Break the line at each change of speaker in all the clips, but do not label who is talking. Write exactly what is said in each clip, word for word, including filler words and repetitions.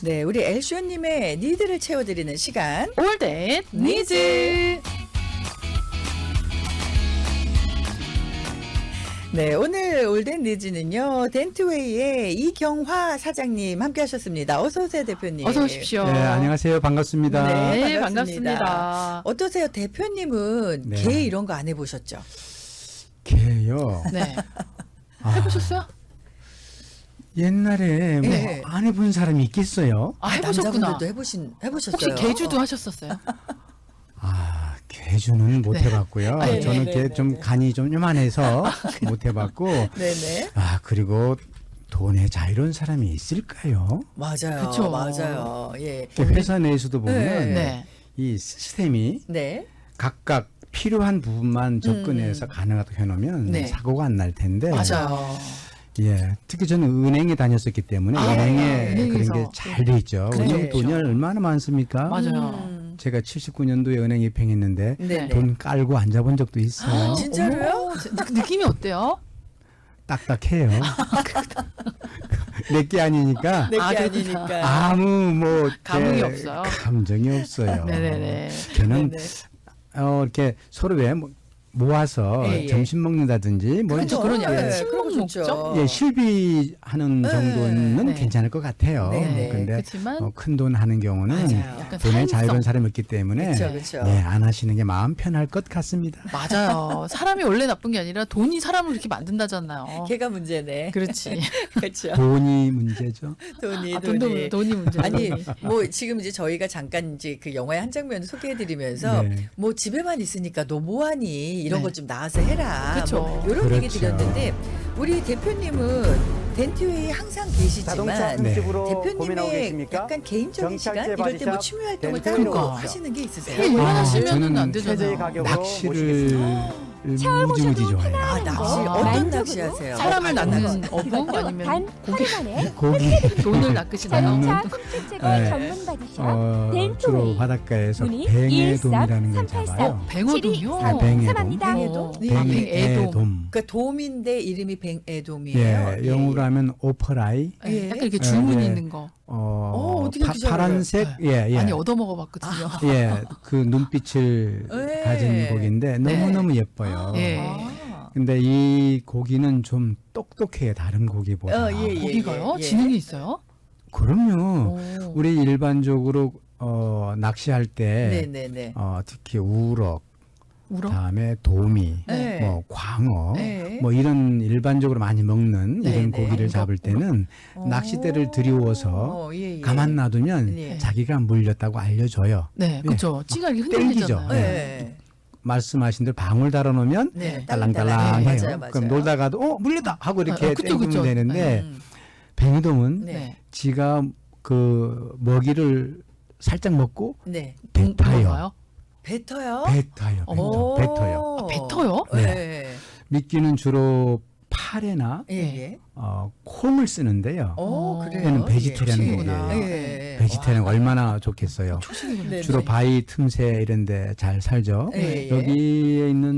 네, 우리 엘쇼님의 니드를 채워드리는 시간.
올댓 니즈.
네, 오늘 올댓 니즈는요, 덴트웨이의 이경화 사장님 함께 하셨습니다. 어서오세요, 대표님.
어서 오십시오.
네, 안녕하세요. 반갑습니다.
네,
네,
반갑습니다.
반갑습니다.
어떠세요? 대표님은
네.
개 이런 거 안 해보셨죠?
개요.
네.
아,
해보셨어요?
옛날에 뭐
네.
안 해본 사람이 있겠어요?
아, 해보셨구나.
남자분들도 해보신, 해보셨어요?
혹시 개주도 하셨었어요?
아, 개주는 못
네.
해봤고요.
아, 네,
저는
네,
개
네,
좀
네.
간이 좀 요만해서 못 해봤고.
네네.
아, 그리고 돈에 자유로운 사람이 있을까요?
맞아요.
그쵸.
맞아요. 예.
회사 내에서도 보면
네.
네.
이 시스템이
네.
각각 필요한 부분만 접근해서 가능하도록 해놓으면
음. 네.
사고가 안 날 텐데.
맞아요.
예, 특히 저는 은행에 다녔었기 때문에
아,
은행에 그런
은행에서.
게 잘 돼 있죠.
그렇죠.
은행 돈이 얼마나 많습니까?
맞아요.
음.
제가 칠십구 년도에 은행 입행했는데
네네.
돈 깔고 앉아본 적도 있어요.
아, 진짜로요?
어머, 저- 느- 느낌이 어때요?
딱딱해요. 내게 아니니까
내게
아,
아니니까.
아무 뭐
감흥이
이렇게
없어요.
감정이 없어요.
네네네.
걔는
네네.
어, 이렇게 서로 왜 모- 모아서
예, 예.
점심 먹는다든지 뭐
그렇죠.
그런 약간
네,
친목
그런 거 좋죠.
목적?
예, 실비하는
네.
정도는
네.
괜찮을 것 같아요.
네, 네.
근데
그렇지만
어, 큰 돈 하는 경우는
맞아요.
약간
돈에
사행성.
자유로운 사람이 없기 때문에
그쵸, 그쵸.
네, 안 하시는 게 마음 편할 것 같습니다.
맞아요. 사람이 원래 나쁜 게 아니라 돈이 사람을 그렇게 만든다잖아요.
걔가 문제네.
그렇지.
그렇죠.
돈이 문제죠.
돈이
아,
돈이.
돈도 돈이 문제.
아니 뭐 지금 이제 저희가 잠깐 이제 그 영화의 한 장면을 소개해드리면서
네.
뭐 집에만 있으니까 너 뭐하니 이런
네.
것 좀 나와서 해라.
그쵸.
뭐 이런 얘기
그렇죠.
드렸는데 우리 대표님은 덴트웨이 항상
자동차
계시지만
네.
음식으로 고민하고
대표님의
계십니까?
약간 개인적인 시간
정찰제
이럴 때 뭐
바디샵
취미 활동을 따로
덴트웨이로
그러니까.
하시는 게 있으세요?
네, 일만
아,
하시면은
저는
안
최저의
되잖아요.
가격으로
낚시를
모시겠습니다.
무지무지 좋아해요.
아 낚시
아,
어떤
만족으로
낚시 하세요?
사람을
어,
낚는
낚시.
어부 아니면
단
고기
하루 만에
고기
돈을 낚으시나요?
자동차 흠집 제거
네.
전문 바디샵
어, 주로
덴트웨이
바닷가에서
문의
뱅에돔이라는 걸
일삼
잡아요.
뱅어돔이요?
아, 뱅에돔.
삼합니다.
어,
네.
아, 뱅에돔.
그러니까 돔인데 이름이 뱅에돔이에요.
예, 영어로 하면 오퍼라이.
예.
약간 이렇게 줄무늬
네.
있는 거.
어,
어, 어떻게
파,
그렇게 잘
파란색, 예, 예.
많이 얻어먹어 봤거든요.
예, 그 눈빛을
예.
가진 고기인데
네.
너무너무 예뻐요.
예.
아.
근데 이 고기는 좀 똑똑해요, 다른 고기보다.
어, 예, 예.
고기가요?
예.
지능이 있어요?
그럼요.
오.
우리 일반적으로 어, 낚시할 때
네네네.
어, 특히 우럭,
울어?
다음에 도미,
네.
뭐 광어,
네.
뭐 이런 일반적으로 많이 먹는
네,
이런
네.
고기를 잡을 때는
어.
낚싯대를 들이워서
어, 예, 예.
가만 놔두면
예.
자기가 물렸다고 알려줘요.
네, 그렇죠. 찌가 이렇게
땡기죠.
흔들리잖아요.
네.
말씀하신 대로 방울 달아놓으면
네.
딸랑딸랑해요.
네, 맞아요, 맞아요.
그럼 놀다가도 어 물렸다 하고 이렇게
어, 그쵸,
땡기면
그쵸.
되는데
음.
뱅이돔은
네.
네.
지가 그 먹이를 살짝 먹고
네.
뱉어요.
뭔가요?
뱉어요?
뱉어요.
오.
뱉어, 뱉어요.
아, 뱉어요?
네.
미끼는 주로 파래나
예. 예.
어, 콩을 쓰는데요.
오,
어.
그래요.
얘는 베지테리안
예.
고기예요.
예.
베지테리안
와.
얼마나 좋겠어요.
초식이군요.
네,
주로
네.
바위 틈새 이런 데 잘 살죠.
예, 예.
여기에 있는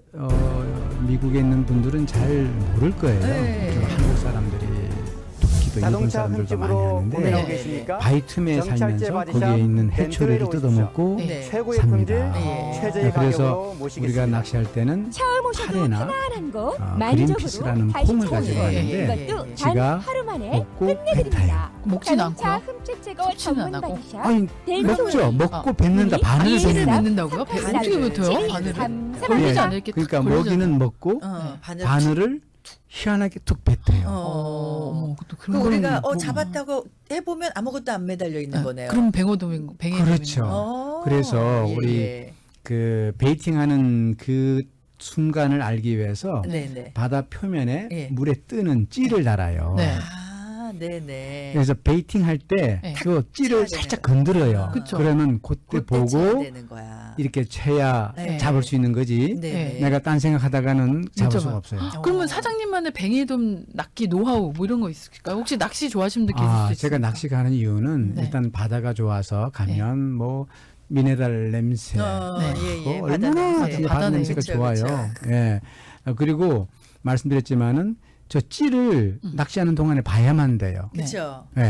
어, 미국에 있는 분들은 잘 모를 거예요.
예.
좀 한국 사람들이 특히 또 일본
자동차
사람들도 많이
흠집으로
하는데
고민하고
네.
계십니까?
바위 틈에
정찰제
살면서
바디샵
거기에 있는
덴트웨이로
해초리를
오십시오.
뜯어먹고
네.
최고의
삽니다.
품질,
예.
최저의
그래서
가격으로 모시겠습니다.
우리가 낚시할 때는
처음 오셔도
파래나
편안한 곳
어,
만족으로
그린피스라는
다시
콩을
찾아오세요.
가지고
왔는데
이것도 단
지가
하루 만에
먹고
끝내드립니다.
먹진
자동차
않고요.
흠집 제거
섭취는
전문
안 하고.
바디샵
아니
덴트웨이.
먹죠. 먹고
아.
뱉는다. 바늘을
바늘을
뱉는
뱉는다고요? 배-
바늘을.
어떻게 뱉어요?
칠이
바늘을?
삼,
걸리지
예.
않을게
그러니까
툭 걸리잖아요.
먹이는 먹고
어, 바늘.
바늘을 희한하게 툭 뱉어요.
어.
어, 어머, 또
그
그런
우리가
거는
어
뭐-
잡았다고 해보면 아무것도 안 매달려 있는
네,
거네요.
그럼 뱅어돔인 거, 뱅에돔인
그렇죠.
거.
어.
그래서
예,
우리
예.
그 베이팅하는 그 순간을 알기 위해서
네네.
바다 표면에
예.
물에 뜨는 찌를 달아요.
네.
아, 네네.
그래서 베이팅 할 때
네.
그 찌를
쳐야
살짝
되는
건드려요.
그쵸.
그러면 그때
그때 쳐야
보고
되는 거야.
이렇게 쳐야
네.
잡을 수 있는 거지.
네네.
내가 딴 생각하다가는 잡을
진짜
수가
많-
없어요.
어.
그러면 사장님만의 뱅에돔 낚기 노하우 뭐 이런 거 있을까요? 혹시 낚시 좋아하시는 분들 계실
아,
수
제가
있습니까?
낚시 가는 이유는
네.
일단 바다가 좋아서 가면 뭐 미네랄 냄새,
어,
네.
예, 예.
어,
바다
얼마나
냄새.
그
바다
바다 냄새가
그쵸,
좋아요.
그쵸.
예. 어, 그리고 말씀드렸지만은 저 찌를
음.
낚시하는 동안에 봐야만 돼요.
네.
그렇죠.
예.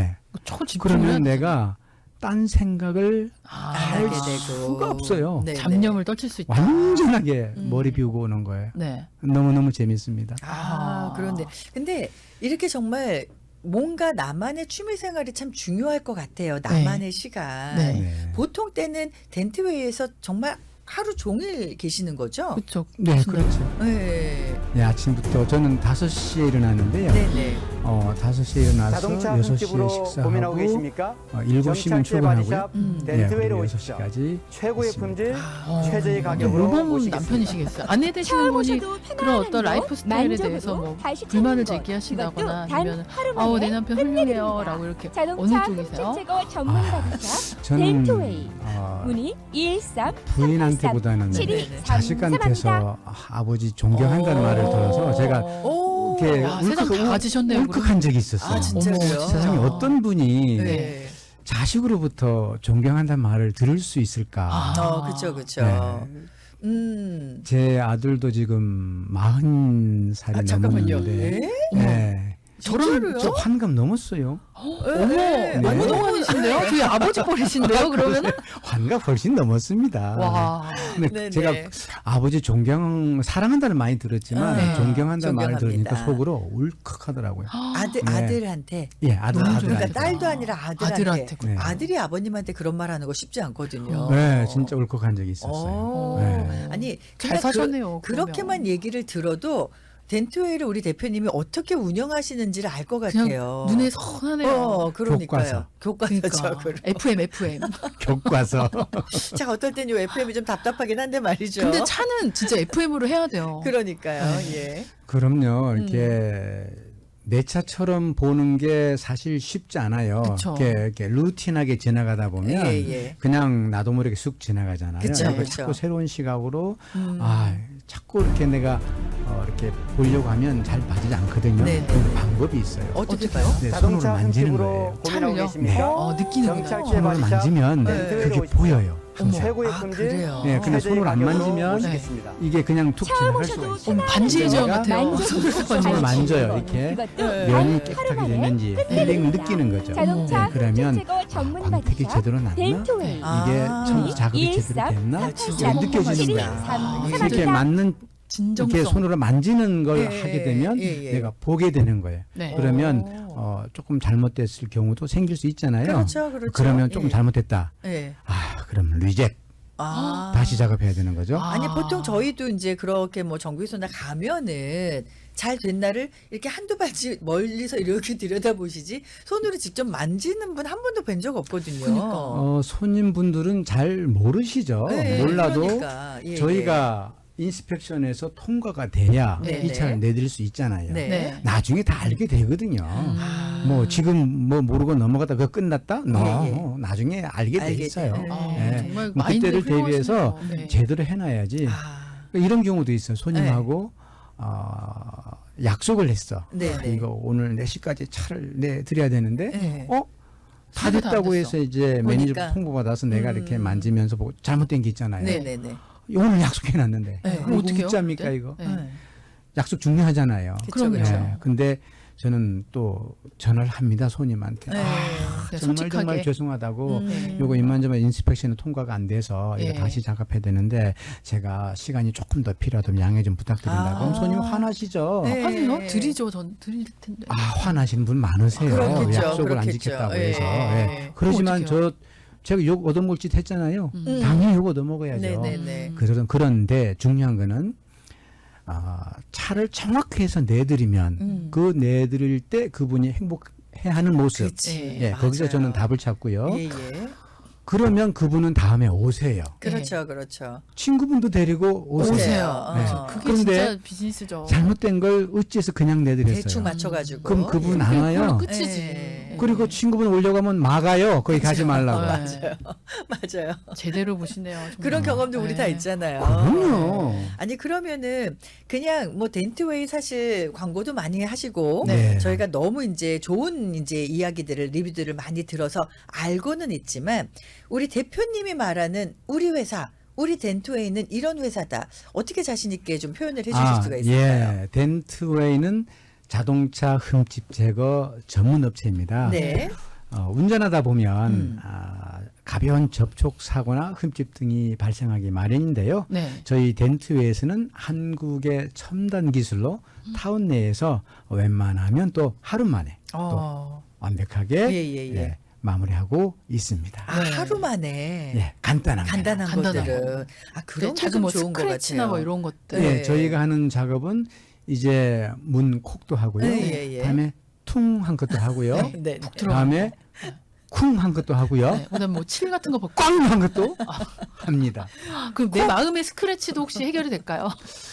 초집중을
그러면 내가 딴 생각을
아,
할
하게 되고.
수가 없어요.
네,
잡념을 떨칠 수 있다.
완전하게
음.
머리 비우고 오는 거예요.
네.
너무너무 재밌습니다.
아,
아.
그런데 근데 이렇게 정말 뭔가 나만의 취미 생활이 참 중요할 것 같아요. 나만의 시간.
네.
네.
보통 때는 덴트웨이에서 정말 하루 종일 계시는 거죠?
그렇죠.
네, 그렇죠.
네.
네, 아침부터 저는 다섯 시에 일어나는데요.
네네.
어, 다섯 시에 일어나서
자동차
여섯 시에
흠집으로 고민하고
식사하고
계십니까?
어, 일곱 시면
정찰제
출근하고요.
바디샵
음.
네,
덴트웨이로
그리고 여섯
오십시오.
시까지
최고의
있습니다.
품질,
어,
최저의 가격으로
모범
모시겠습니다.
남편이시겠어요. 아내 되시는 분이 그런 어떤 라이프 스타일에 대해서 뭐 불만을 제기하신다거나 아니면 아우 내 남편 훌륭해요라고 이렇게 어느
자동차
쪽이세요?
흠집 제거 전문 바디샵
저는
덴트웨이.
어,
문의 일일삼
부인한테보다는
칠이삼삼
자식한테서 아, 아버지 존경한다는
오.
말을 들어서 제가
오.
이렇게
야, 세상 다
울컥,
가지셨네요.
울컥한 적이 있었어요.
아, 진짜요?
어머, 진짜.
세상에 어떤 분이
네.
자식으로부터 존경한다는 말을 들을 수 있을까?
아.
어, 그쵸, 그쵸.
네.
음.
제 아들도 지금 마흔 살이
아, 잠깐만요.
넘었는데,
네?
네.
진짜로요?
저 환갑 넘었어요.
어머,
네.
너무
네.
동안이신데요? 저희 아버지 뻘이신데요? 그러면은
환갑 훨씬 넘었습니다.
와.
근데
네네.
제가 아버지 존경, 사랑한다는 많이 들었지만
네.
존경한다는 말을
존경합니다.
들으니까 속으로 울컥하더라고요.
아들,
네.
아들한테.
예, 아들,
너무
아들.
그러니까
좋다.
딸도 아니라 아들한테.
아들한테.
네.
아들이 아버님한테 그런 말 하는 거 쉽지 않거든요.
네, 진짜 울컥한 적이 있었어요.
오.
네.
아니,
잘
그러니까
사셨네요.
그, 그렇게만 얘기를 들어도 덴트웨이를 우리 대표님이 어떻게 운영하시는지를 알 것
그냥
같아요.
눈에 선하네요.
어, 그러니까요. 교과서죠.
그러니까 에프엠, 에프엠.
교과서.
자, 어떨 땐요 에프엠이 좀 답답하긴 한데 말이죠.
근데 차는 진짜 에프엠으로 해야 돼요.
그러니까요.
네.
예.
그럼요. 이렇게 내 차처럼 보는 게 사실 쉽지 않아요.
그쵸.
이렇게, 이렇게 루틴하게 지나가다 보면
예, 예.
그냥 나도 모르게 쑥 지나가잖아요.
그쵸,
그러니까
그쵸.
자꾸 새로운 시각으로
음.
아 자꾸 이렇게 내가 어, 이렇게 보려고 하면 잘 맞지 않거든요.
네, 네.
그 방법이 있어요.
어떻게
어떡해요?
봐요?
네, 손으로
자동차
만지는
흠집으로
거예요.
고민하고
차를요?
계십니까?
어, 느끼는구나.
정찰제
손으로
바디샵
만지면
네.
그게 보여요. 항상.
최고의
아,
품질,
그래요?
네, 근데
최저의
손으로 안
가격으로
만지면
모시겠습니다.
이게 그냥 툭 지나갈 수가
오셔도
있어요.
어, 반지의 제왕
내가
같아요.
손으로 만져요. 이렇게 면이 깨끗하게 됐는지 필링을 느끼는 거죠.
자동차
네, 그러면
흠집 제거 전문
광택이
바디샵
제대로 났나?
덴트웨이.
아.
이게 참 작업이 제대로 됐나?
아, 진짜
이게 느껴지는 거예요.
아,
이렇게
칠이삼삼
맞는
진정성.
이렇게 손으로 만지는 걸
예,
하게 되면
예, 예.
내가 보게 되는 거예요.
네.
그러면
오.
어, 조금 잘못됐을 경우도 생길 수 있잖아요.
그렇죠, 그렇죠.
그러면 조금
예.
잘못됐다.
예.
아, 그럼 리젝.
아.
다시 작업해야 되는 거죠.
아.
아니 보통 저희도 이제 그렇게 뭐 정비소나 가면은 잘 된 날을 이렇게 한두 발씩 멀리서 이렇게 들여다보시지 손으로 직접 만지는 분 한 번도 뵌 적 없거든요.
그러니까.
어, 손님분들은 잘 모르시죠.
네,
몰라도
그러니까. 예,
저희가 인스펙션에서 통과가 돼야
네,
이
네.
차를 내드릴 수 있잖아요.
네.
네.
나중에 다 알게 되거든요.
아.
뭐 지금 뭐 모르고 넘어가다 그거 끝났다? 너
예, 예.
나중에 알게 돼
알게
있어요.
돼요.
아,
네.
정말
그럼
마인드
그때를 대비해서
훌륭하시네요. 네.
제대로 해놔야지.
아.
이런 경우도 있어요. 손님하고 어, 약속을 했어.
네,
아,
네.
이거 오늘 네 시까지 차를 내드려야 되는데
네.
어? 다
차가 다안
됐다고
됐어.
해서 이제 매니저
보니까.
통보 받아서 내가
음.
이렇게 만지면서 보고 잘못된 게 있잖아요.
네네네.
오늘 약속해놨는데
네.
그럼
어떡해요?
웃자입니까
그때?
이거?
네.
네.
약속 중요하잖아요.
그쵸,
그럼요.
그쵸.
네. 근데 저는 또 전화를 합니다 손님한테.
네.
아,
네,
정말
솔직하게.
정말 죄송하다고
음.
요거 이만저만 인스펙션이 통과가 안 돼서 이거
예.
다시 작업해야 되는데 제가 시간이 조금 더 필요하다면 양해 좀 부탁드린다고
아.
그럼 손님 화나시죠.
네.
하세요? 드리죠. 전 드릴 텐데.
아 화나시는 분 많으세요.
그렇겠죠,
약속을 안
그렇겠죠.
지켰다고
예.
해서. 예. 그러지만
어떡해요?
저 제가 욕 얻어먹을 짓 했잖아요.
음.
당연히 욕 얻어먹어야죠.
네네네.
그런 그런데 중요한 거는 아, 차를 정확히 해서 내드리면
음.
그 내드릴 때 그분이 행복해하는 모습.
그치.
예, 거기서
맞아요.
저는 답을 찾고요.
예, 예.
그러면 그분은 다음에 오세요.
그렇죠, 그렇죠.
친구분도 데리고 오세요.
오세요.
네.
어.
그게
그런데
진짜 비즈니스죠.
잘못된 걸 어찌해서 그냥 내드렸어요.
대충 맞춰가지고.
그럼 그분 안
그걸로
와요.
끝이지.
예.
그리고 친구분 오려고 하면 막아요. 거기 가지 말라고.
네.
맞아요. 맞아요.
제대로 보시네요. 정말.
그런 경험도 우리
네.
다 있잖아요.
그럼요.
아니 그러면은 그냥 뭐 덴트웨이 사실 광고도 많이 하시고
네.
저희가 너무 이제 좋은 이제 이야기들을 리뷰들을 많이 들어서 알고는 있지만 우리 대표님이 말하는 우리 회사 우리 덴트웨이는 이런 회사다. 어떻게 자신 있게 좀 표현을 해주실 수가 있을까요?
예. 덴트웨이는 자동차 흠집 제거 전문 업체입니다.
네.
어, 운전하다 보면
음.
아, 가벼운 접촉 사고나 흠집 등이 발생하기 마련인데요.
네.
저희 덴트웨이에서는 한국의 첨단 기술로
음.
타운 내에서 웬만하면 또 하루 만에
어.
완벽하게
예, 예, 예.
예, 마무리하고 있습니다.
아,
네.
하루 만에
예, 간단한
간단한
간단한
것들은 아 그런
네,
게
작은
좀
뭐
좋은 것
스크래치나
같아요.
뭐 이런 것들.
예,
네.
저희가 하는 작업은 이제 문 콕도 하고요.
네, 예, 예.
다음에 퉁 한 것도 하고요.
네, 네.
다음에 쿵 한 것도 하고요.
네. 그다음 뭐 칠 같은 거 벗고.
꽝 한 것도 합니다.
그럼 내 마음의 스크래치도 혹시 해결이 될까요?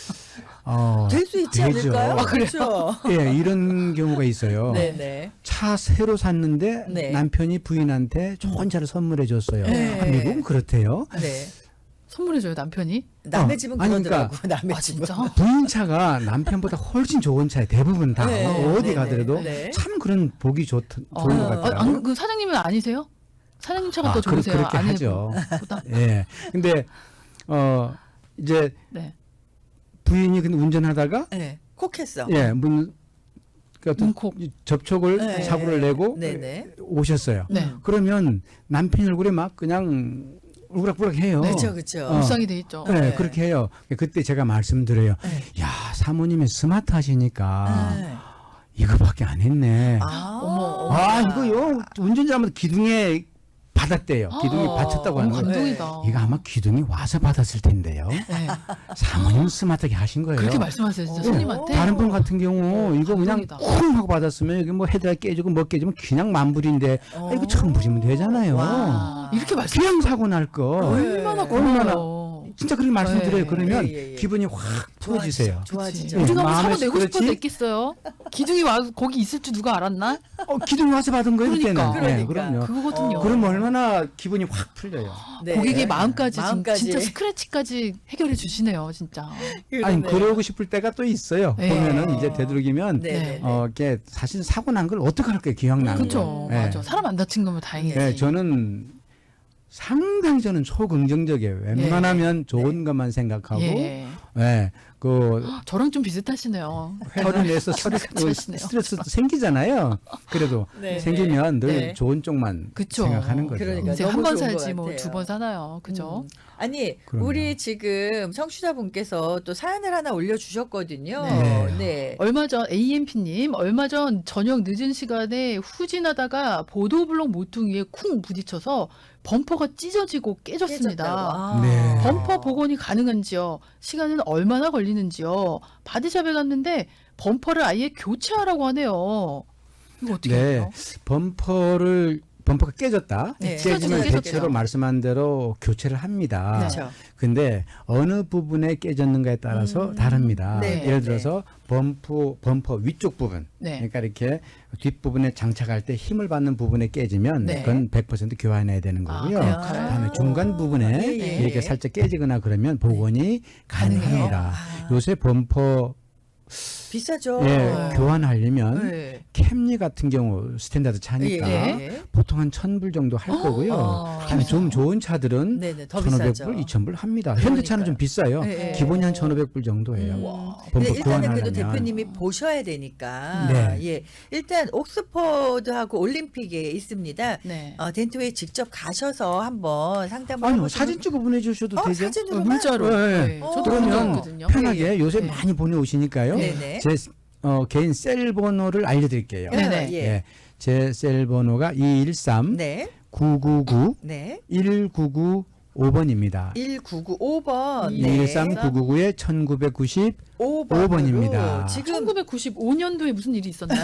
어,
될 수 있지
되죠.
않을까요?
아,
그렇죠.
예, 이런 경우가 있어요.
네, 네.
차 새로 샀는데
네.
남편이 부인한테 좋은 차를 선물해 줬어요.
네.
아, 미국은 그렇대요.
네.
선물해줘요 남편이.
남의
어,
집은
아니,
그러더라고. 남의
아
집은.
진짜?
부인 차가 남편보다 훨씬 좋은 차에 대부분 다
네,
어디
네,
가더라도
네, 네.
참 그런 보기 좋, 좋은
어,
것
아,
같아요.
안, 그 사장님은 아니세요? 사장님 차가
아,
더
그-
좋으세요?
그렇게 하죠.
아내보다?
예. 근데 어 이제
네.
부인이 근데 운전하다가
네. 콕했어.
예, 문 그 어떤
문콕.
접촉을
네.
사고를 내고
네, 네.
오셨어요.
네.
그러면 남편 얼굴에 막 그냥 울그락불락해요.
그렇죠, 그렇죠.
어.
묵상이 돼 있죠.
네,
네.
그렇게 해요. 그때 제가 말씀드려요.
네.
야, 사모님이 스마트하시니까
네.
이거밖에 안 했네.
아,
어머, 어머.
아, 이거요. 운전자면 기둥에 받았대요. 기둥이
아,
받쳤다고 하는
너무
거예요.
감동이다.
이거 아마 기둥이 와서 받았을 텐데요.
네.
사모님은 스마트하게 하신 거예요.
그렇게 말씀하세요 진짜
어.
손님한테.
다른 분 같은 경우 이거 그냥
감동이다.
쿵 하고 받았으면 여기 뭐 헤드가 깨지고 뭐 깨지면 그냥 만불인데
어.
아, 이거 처음 보시면 되잖아요.
와.
이렇게 말씀
그냥 사고 날 거.
네.
얼마나
얼마나
고마워요.
진짜 그렇게 말씀드려요.
네.
그러면
예, 예, 예.
기분이 확 좋아지세요.
좋아지죠.
예.
우리가 뭐
마음에
사고 내고 싶어서
그렇지?
냈겠어요. 기둥이 와 거기 있을 줄 누가 알았나?
어, 기둥이 와서 받은 거예요,
그러니까.
그때는. 네,
그러니까.
그럼요.
그거거든요.
어.
그럼 얼마나 기분이 확 풀려요.
네.
고객의 마음까지, 진-
마음까지.
진짜 스크래치까지 해결해 주시네요, 진짜.
아니,
그러네요.
그러고 싶을 때가 또 있어요.
네.
보면은 이제 되도록이면
네, 네, 네.
어, 이게 사실 사고 난 걸 어떻게 할까요? 기억나는
그렇죠,
거. 네.
맞아. 사람 안 다친 거면 다행이지.
네, 저는 상당히 저는 초긍정적이에요. 웬만하면 좋은 것만 생각하고, 예,
예.
그
저랑 좀 비슷하시네요.
회사를 내서 스트레스,
하시네요.
스트레스도 생기잖아요. 그래도
네,
생기면 늘
네.
좋은 쪽만
그쵸.
생각하는 거죠.
그러니까.
이제
너무
한 번
좋은 것
살지 뭐
같아요.
두 번 사나요, 그죠?
음. 아니
그럼요.
우리 지금 청취자분께서 또 사연을 하나 올려주셨거든요.
네.
네.
얼마 전 에이엠피님 얼마 전 저녁 늦은 시간에 후진하다가 보도블록 모퉁이에 쿵 부딪혀서 범퍼가 찢어지고 깨졌습니다.
깨졌다고. 아.
네.
범퍼 복원이 가능한지요? 시간은 얼마나 걸리는지요? 바디샵에 갔는데 범퍼를 아예 교체하라고 하네요. 이거 어떻게
네.
해요?
범퍼를 범퍼가 깨졌다.
네.
깨지면
깨졌대요.
대체로 말씀한 대로 교체를 합니다.
그렇죠.
근데 어느 부분에 깨졌는가에 따라서
음.
다릅니다.
네,
예를
네.
들어서 범퍼 범퍼 위쪽 부분,
네.
그러니까 이렇게 뒷부분에 장착할 때 힘을 받는 부분에 깨지면
네.
그건 백 퍼센트 교환해야 되는
아,
거고요.
그래요?
그다음에 중간 부분에
예, 예,
이렇게
예.
살짝 깨지거나 그러면 복원이 가능합니다.
아.
요새 범퍼
비싸죠.
예,
네.
교환하려면
네.
캠리 같은 경우 스탠다드 차니까
예.
보통 한 천 불 정도 할 거고요.
어.
아니, 좀 좋은 차들은
네네 더
천오백
비싸죠.
불, 이천 불 합니다. 현대차는 좀 비싸요.
네, 네.
기본이 한 천오백 불 정도예요.
음.
와.
근데
범퍼
일단은 그래도
교환하려면.
대표님이 보셔야 되니까
네.
예 일단 옥스퍼드하고 올림픽에 있습니다.
네.
어, 덴트웨이 직접 가셔서 한번 상담을
아니요,
해보시면
사진 찍어 보내주셔도
어,
되죠.
사진으로만?
문자로.
네.
네.
어,
저도
그러면
그러거든요.
편하게
예, 예.
요새
네.
많이 보내오시니까요.
네네.
제 어, 개인 셀 번호를 알려드릴게요.
네네.
예.
예. 제 셀 번호가 이일삼
네.
구구구
네.
일구구오 번입니다.
일구구오 번.
이일삼 구구구에 천구백구십오
오 번으로
번입니다.
지금
천구백구십오 년도에 무슨 일이 있었나요?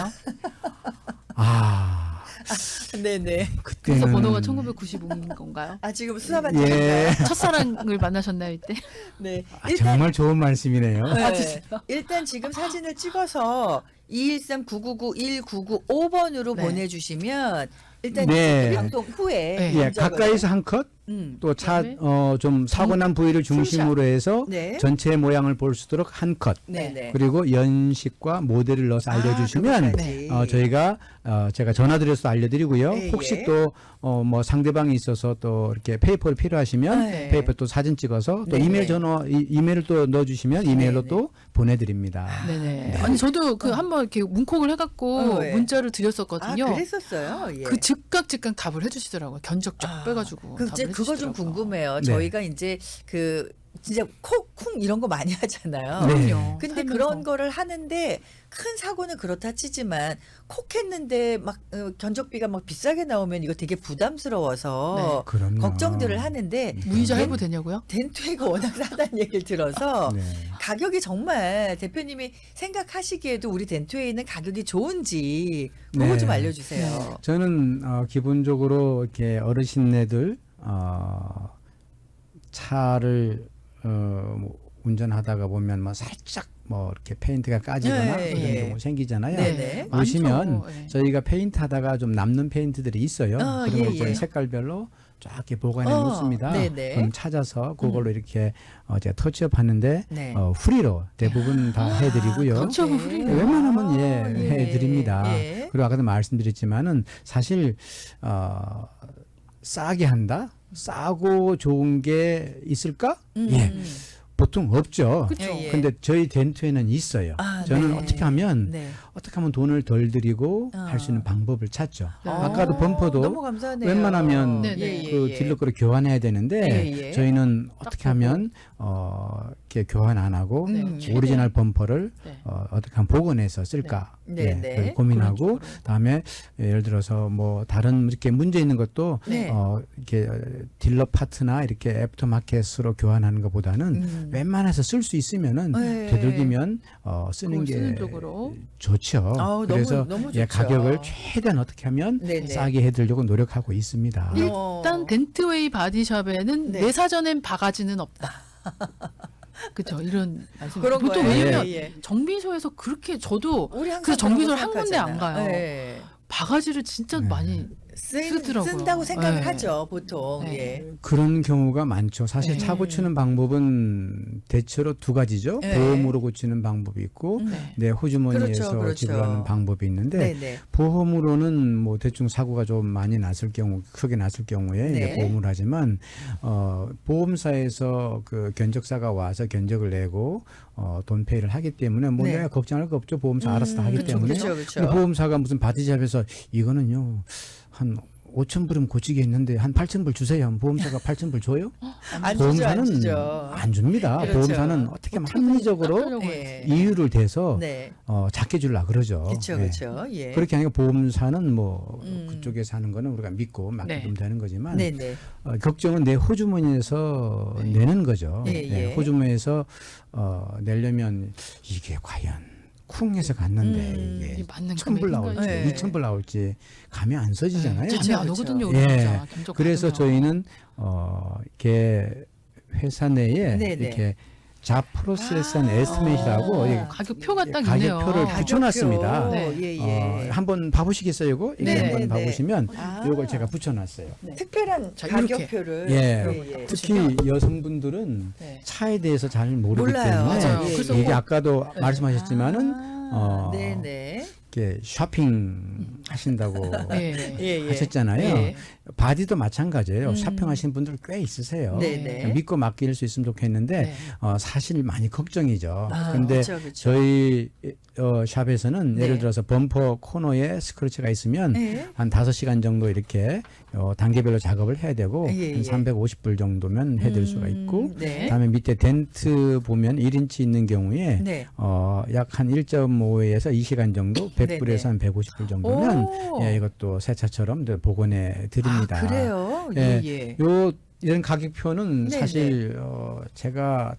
아,
네네.
그때는
그래서 번호가 천구백구십오인 건가요?
아 지금 수사받
예.
예.
첫사랑을 만나셨나요 이때?
네.
아, 정말 좋은 말씀이네요.
네. 일단 지금 사진을 찍어서 이일삼 구구구 일구구오 번으로
네.
보내주시면 일단
네.
방송 후에
네.
예,
먼저
가까이서 한 컷,
음.
또 차
그다음에
어 좀 사고 난 부위를 중심으로 해서
네.
전체 모양을 볼 수 있도록 한 컷.
네네.
그리고 연식과 모델을 넣어서 알려주시면
아, 그것까지.
어, 저희가 어, 제가 전화드려서 알려드리고요.
예,
혹시
예.
또 어, 뭐 상대방이 있어서 또 이렇게 페이퍼를 필요하시면
네.
페이퍼 또 사진 찍어서 또
네,
이메일
네.
전화 이, 이메일을 또 넣어주시면 이메일로
네,
또 보내드립니다.
네네. 아니 저도 그 한번 이렇게 문콕을 해갖고
어, 네.
문자를
아,
드렸었거든요.
그랬었어요. 예.
그 즉각 즉각 답을 해주시더라고요. 견적 쫙
아,
빼가지고.
그 이제
답을
그거 좀
해주시더라고요.
궁금해요.
네.
저희가 이제 그 진짜 콕쿵 이런 거 많이 하잖아요.
네.
그럼요.
근데
살면서.
그런 거를 하는데 큰 사고는 그렇다 치지만 콕 했는데 막 어, 견적비가 막 비싸게 나오면 이거 되게 부담스러워서
그럼요.
걱정들을 하는데
무이자
덴-
해부 되냐고요?
덴토이가 워낙 싸다는 얘기를 들어서
네.
가격이 정말 대표님이 생각하시기에도 우리 덴토에는 가격이 좋은지 그거
네.
좀 알려주세요.
저는 어, 기본적으로 이렇게 어르신네들 어, 차를 어, 뭐 운전하다가 보면 뭐 살짝 뭐 이렇게 페인트가 까지거나
네,
그런
예.
경우 생기잖아요.
네네.
보시면
많죠. 예.
저희가 페인트 하다가 좀 남는 페인트들이 있어요.
어,
그런
예,
걸 저희
예.
색깔별로 쫙 이렇게 보관해
어,
놓습니다.
네네.
그럼 찾아서 그걸로 이렇게 어, 제가 터치업 하는데
네.
어, 프리로 대부분 다 해드리고요.
그렇죠.
네.
프리로.
웬만하면 예,
아, 예.
해드립니다.
예.
그리고 아까도 말씀드렸지만은 사실 어, 싸게 한다, 싸고 좋은 게 있을까?
음.
예, 보통 없죠.
그쵸.
예, 예.
근데 저희 덴트에는 있어요.
아,
저는
네.
어떻게 하면
네.
어떻게 하면 돈을 덜 들이고
어.
할 수 있는 방법을 찾죠.
네.
아까도
어,
범퍼도
너무 감사하네요.
웬만하면
네, 네.
예, 예,
그
예.
딜러 거를 교환해야 되는데
예, 예.
저희는 어떻게
보고.
하면 어, 이렇게 교환 안 하고
음.
오리지널 범퍼를
네.
어, 어떻게 하면 복원해서 쓸까
네.
예,
네,
그걸
네.
고민하고
그런 쪽으로.
다음에 예를 들어서 뭐 다른 이렇게 문제 있는 것도
네.
어, 이렇게 딜러 파트나 이렇게 애프터마켓으로 교환하는 것보다는
음.
웬만해서 쓸 수 있으면은
네.
되도록이면 어, 쓰는
그걸
게
쓰는 쪽으로.
좋죠.
아우,
그래서
너무, 너무
예,
좋죠.
가격을 최대한 어떻게 하면
네네.
싸게 해드리려고 노력하고 있습니다.
어.
일단 덴트웨이 바디샵에는
네.
내 사전엔 바가지는 없다. 그렇죠. 이런 말씀.
그런
보통
거예요.
왜냐면
예, 예.
정비소에서 그렇게 저도
우리 항상
그래서 정비소를
그런
한
거
군데 안
생각하잖아요.
가요.
네.
바가지를 진짜
네.
많이
쓴,
쓰더라고요.
쓴다고 생각을
네.
하죠 보통.
네.
예.
그런 경우가 많죠. 사실
네.
차 고치는 방법은 대체로 두 가지죠.
네.
보험으로 고치는 방법이 있고
음.
네.
내 호주머니에서
그렇죠, 그렇죠.
지불하는 방법이 있는데
네네.
보험으로는 뭐 대충 사고가 좀 많이 났을 경우 크게 났을 경우에
네.
이제 보험을 하지만 어 보험사에서 그 견적사가 와서 견적을 내고 어 돈페이를 하기 때문에 뭐
네.
내가 걱정할 거 없죠. 보험사 알아서 다 하기
그쵸,
때문에.
그쵸, 그쵸.
근데 보험사가 무슨 바디샵에서 이거는요 한 오천 불이면 고치게 했는데 한 팔천 불 주세요. 보험사가 팔천 불 줘요?
안 주죠,
보험사는
안 주죠.
안 줍니다.
그렇죠.
보험사는 어떻게 하면 합리적으로
깎으려고
예.
이유를 대서
네.
어, 작게 주려 그러죠.
그렇죠,
예.
그렇죠. 예.
그렇게 하니까 보험사는 뭐
음.
그쪽에서 하는 거는 우리가 믿고 맡기면
네.
되는 거지만
네네.
어, 걱정은 내 호주머니에서
네.
내는 거죠.
예,
네,
예.
호주머니에서 어, 내려면 이게 과연 쿵해서 갔는데
음,
이게
이게 맞는
천 불
금액인가요?
나올지
네.
이천 불 나올지 감이 안 써지잖아요.
그쵸,
잠이 안
그쵸.
오거든요. 우리
예.
진짜 견적
그래서
받으면.
저희는 어, 이렇게 회사 내에
네네.
이렇게 잡 프로세스한
아.
에스티메이트라고
어.
이게
가격표가 딱 있네요.
가격표를
가격표.
붙여놨습니다.
네.
예,
어,
예.
한번 봐보시겠어요, 이거? 이거
네,
한번
네,
봐보시면
아.
이걸 제가 붙여놨어요.
특별한
자, 이렇게.
가격표를.
예.
예, 예.
특히 여성분들은
네.
차에 대해서 잘 모르기
몰라요.
때문에
맞아요.
예,
그래서
예.
이게 아까도
네.
말씀하셨지만은
아,
어,
네네.
이렇게 쇼핑 하신다고
예.
예, 예.
하셨잖아요.
예.
바디도 마찬가지예요.
음.
쇼핑하시는 분들 꽤 있으세요.
네네.
믿고 맡길 수 있으면 좋겠는데
네.
어, 사실 많이 걱정이죠.
아,
근데
그쵸, 그쵸.
저희 어, 샵에서는
네.
예를 들어서 범퍼 코너에 스크래치가 있으면
네.
한 다섯 시간 정도 이렇게 어, 단계별로 작업을 해야 되고
예, 예.
한 삼백오십 불 정도면 해드릴 수가 있고
음, 네.
그다음에 밑에 덴트 보면 일 인치 있는 경우에
네.
어, 약 한 일 점 오에서 이 시간 정도 백 불에서
네네.
한 백오십 불 정도면
오.
예, 이것도 새 차처럼 늘 복원해 드립니다.
아, 그래요?
예.
예, 예.
요 이런 가격표는
네네.
사실 어, 제가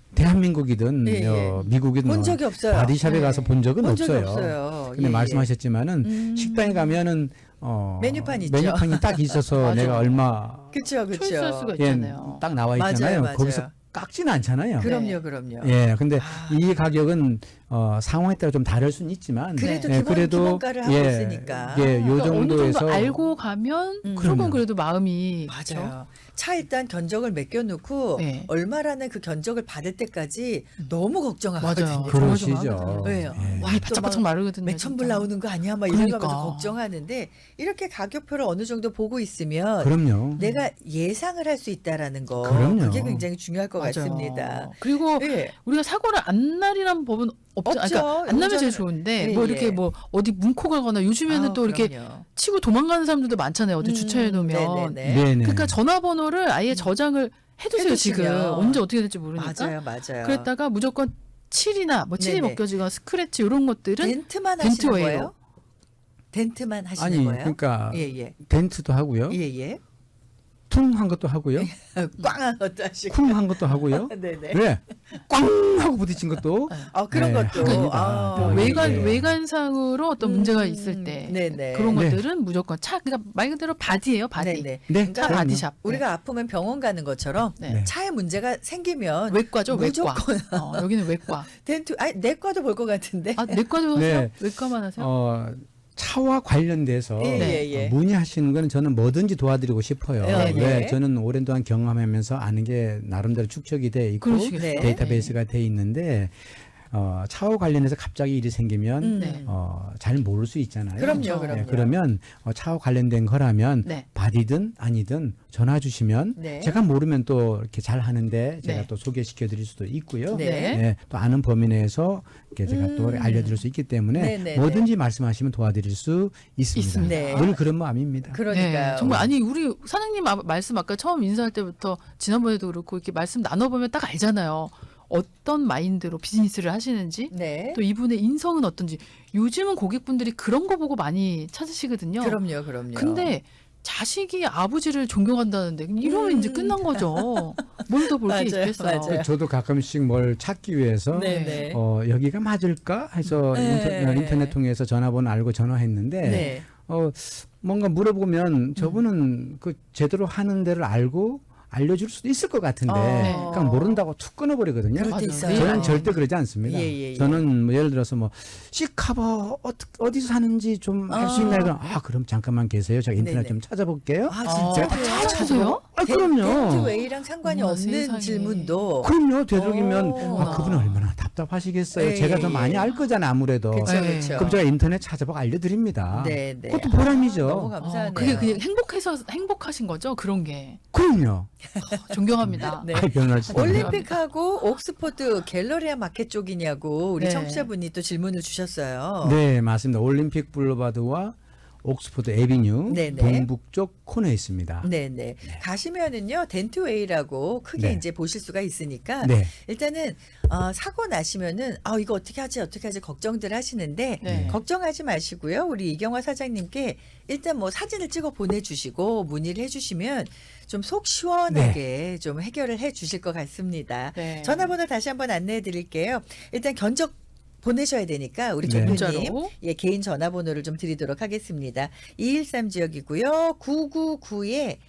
대한민국이든
예, 예.
어, 미국이든
본
뭐
적이 없어요.
바디샵에
네.
가서 본 적은
본 적이
없어요.
없어요.
근데
예, 예.
말씀하셨지만은
음.
식당에 가면은 어,
메뉴판 있죠.
메뉴판이 딱 있어서
맞아.
내가 얼마
그쵸, 그쵸.
초이스할 수가
예,
있잖아요.
딱 나와
맞아요,
있잖아요.
맞아요.
거기서 깎지는 않잖아요.
그럼요,
네.
그럼요.
예, 근데
아.
이 가격은 어, 상황에 따라 좀 다를 수는 있지만
그래도
예,
기본
그래도
기본가를 하고
예,
있으니까.
예, 요
그러니까 어느
정도에서
정도 알고 가면
음.
조금
그럼요.
그래도 마음이
맞아요. 차 일단 견적을 맡겨놓고
네.
얼마라는 그 견적을 받을 때까지 너무 걱정하거든요.
맞아요.
그러시죠.
조마조마하거든요.
왜요?
예.
와,
이
또
바짝바짝
막
마르거든요.
몇천 불
진짜.
나오는 거 아니야? 막
그러니까.
이러면서 걱정하는데 이렇게 가격표를 어느 정도 보고 있으면
그럼요.
내가 예상을 할 수 있다라는 거
그럼요.
그게 굉장히 중요할 것
맞아요.
같습니다.
그리고
예.
우리가 사고를 안 날이란 법은 없죠.
없죠.
그러니까 안 나면 제일
운전을-
좋은데
예,
뭐 이렇게
예.
뭐 어디 뭉코 가거나 요즘에는
아우,
또 이렇게
그럼요.
치고 도망가는 사람들도 많잖아요. 어디
음,
주차해 놓으면.
네네네.
네네.
그러니까 전화번호를 아예 저장을 해두세요. 지금
해두시면.
언제 어떻게 될지 모르니까.
맞아요, 맞아요.
그랬다가 무조건 칠이나 뭐 칠이
네네.
벗겨지거나 스크래치 이런 것들은
덴트만
덴트
하시는
웨이로.
거예요? 덴트만 하시는
아니
거예요?
그러니까
예, 예.
덴트도 하고요.
예, 예.
퉁한 것도 하고요.
꽝한 것도 하시고.
쿵 한 것도 하고요.
네네.
그래. 꽝 하고 부딪힌 것도
아, 그런
네,
것도.
합니다.
아,
뭐
네.
외관
예.
외관상으로 어떤
음,
문제가 있을 때
네네.
그런
네.
것들은 무조건 차 그러니까 말 그대로 바디예요. 바디.
네네.
네.
그러니까
차
그럼요.
바디샵.
우리가 아프면 병원 가는 것처럼
네.
네.
차에 문제가 생기면
외과죠. 외과.
무조건
어, 여기는 외과.
덴트 아니 내과도 볼 것 같은데.
아 내과도
네.
하세요? 외과만 하세요?
어, 차와 관련돼서
예,
네.
예, 예.
어, 문의하시는 거는 저는 뭐든지 도와드리고 싶어요.
예,
왜
예.
저는 오랜 동안 경험하면서 아는 게 나름대로 축적이 돼 있고
그러시겠어요.
네.
데이터베이스가 돼 있는데 어, 차와 관련해서 갑자기 일이 생기면
음.
네.
어, 잘 모를 수 있잖아요.
그럼요,
그렇죠.
그럼요.
그러면 어, 차와 관련된 거라면
네.
바디든 아니든 전화 주시면
네.
제가 모르면 또 이렇게 잘 하는데 제가
네.
또 소개시켜 드릴 수도 있고요.
네.
예, 또 아는 범위 내에서 이렇게 제가 또
음.
알려드릴 수 있기 때문에
네, 네,
뭐든지 말씀하시면 도와드릴 수 있습니다.
있습니다.
네.
늘 그런 마음입니다.
그러니까요.
네, 정말 아니 우리 사장님 아- 말씀 아까 처음 인사할 때부터 지난번에도 그렇고 이렇게 말씀 나눠보면 딱 알잖아요. 어떤 마인드로 비즈니스를 하시는지
네.
또 이분의 인성은 어떤지 요즘은 고객분들이 그런 거 보고 많이 찾으시거든요.
그럼요, 그럼요.
근데 자식이 아버지를 존경한다는데 이러면
음.
이제 끝난 거죠. 뭘 더 볼 게
맞아요,
있겠어요.
맞아요.
저도 가끔씩 뭘 찾기 위해서
네네.
어, 여기가 맞을까 해서
네.
인터, 인터넷 통해서 전화번호 알고 전화했는데
네.
어, 뭔가 물어보면 저분은 그 제대로 하는 데를 알고 알려줄 수도 있을 것 같은데
어.
그냥 모른다고 툭 끊어버리거든요.
그럴 때
맞아요.
있어요.
네.
저는 절대 그러지 않습니다.
예, 예, 예.
저는 뭐 예를 들어서 뭐 C커버 어, 어디서 사는지 좀 알 수
아.
있나요? 그럼 아 그럼 잠깐만 계세요. 제가 인터넷
네네.
좀 찾아볼게요.
아,
어,
진짜.
다 찾아보세요?
아 그럼요.
덴트웨이랑 상관이
어머나,
없는
세상에.
질문도.
그럼요. 되도록이면
오.
아, 그분은 얼마나 답답하시겠어요.
예,
제가
예,
더 많이
예.
알 거잖아요. 아무래도.
그렇죠,
네.
그렇죠.
그럼 제가 인터넷 찾아보고 알려드립니다.
네, 네.
그것도 보람이죠.
아, 너무
어,
감사하네요.
그게 그냥 행복해서 행복하신 거죠. 그런 게
그럼요.
존경합니다.
네.
아, 변호할 수 있네요.
올림픽하고 옥스퍼드 갤러리아 마켓 쪽이냐고 우리
네.
청취자분이 또 질문을 주셨어요.
네, 맞습니다. 올림픽 블루바드와 옥스퍼드 에비뉴
네네.
동북쪽 코너에 있습니다.
네네. 가시면은요, 덴트웨이라고 크게
네.
이제 보실 수가 있으니까
네.
일단은 어, 사고 나시면은 아 이거 어떻게 하지 어떻게 하지 걱정들 하시는데
네.
걱정하지 마시고요. 우리 이경화 사장님께 일단 뭐 사진을 찍어 보내주시고 문의를 해주시면 좀 속 시원하게 좀 해결을 해주실 것 같습니다.
네.
전화번호 다시 한번 안내해 드릴게요. 일단 견적 보내셔야 되니까 우리
네.
조교님
문자로.
예, 개인 전화번호를 좀 드리도록 하겠습니다. 이일삼 지역이고요. 구구구에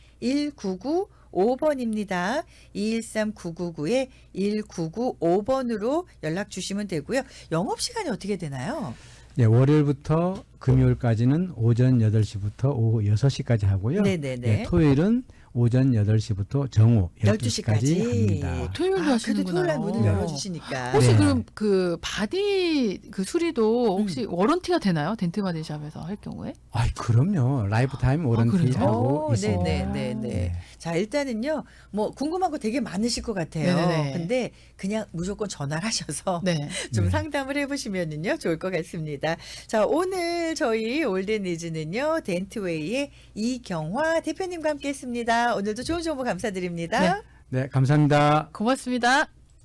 일구구오 번입니다. 이일삼 구구구에 일구구오 번으로 연락 주시면 되고요. 영업시간이 어떻게 되나요?
네, 월요일부터 금요일까지는 오전 여덟 시부터 오후 여섯 시까지 하고요.
네네네.
네, 토요일은 오전 여덟 시부터 정오
열두
열두
시까지.
시까지 합니다.
토요일도
아, 그래도
하시는구나.
토요일 날 문을
네.
열어주시니까.
혹시
네.
그럼 그 바디 그 수리도 혹시
음.
워런티가 되나요? 덴트 바디샵에서 할 경우에?
아, 그럼요. 라이프타임
그래요?
워런티하고
오,
있습니다.
네네네네.
네.
자, 일단은요, 뭐, 궁금한 거 되게 많으실 것 같아요.
네네네.
근데 그냥 무조건 전화를 하셔서
네.
좀
네.
상담을 해보시면은요, 좋을 것 같습니다. 자, 오늘 저희 올드니즈는요, 덴트웨이의 이경화 대표님과 함께 했습니다. 오늘도 좋은 정보 감사드립니다.
네.
네, 감사합니다.
고맙습니다.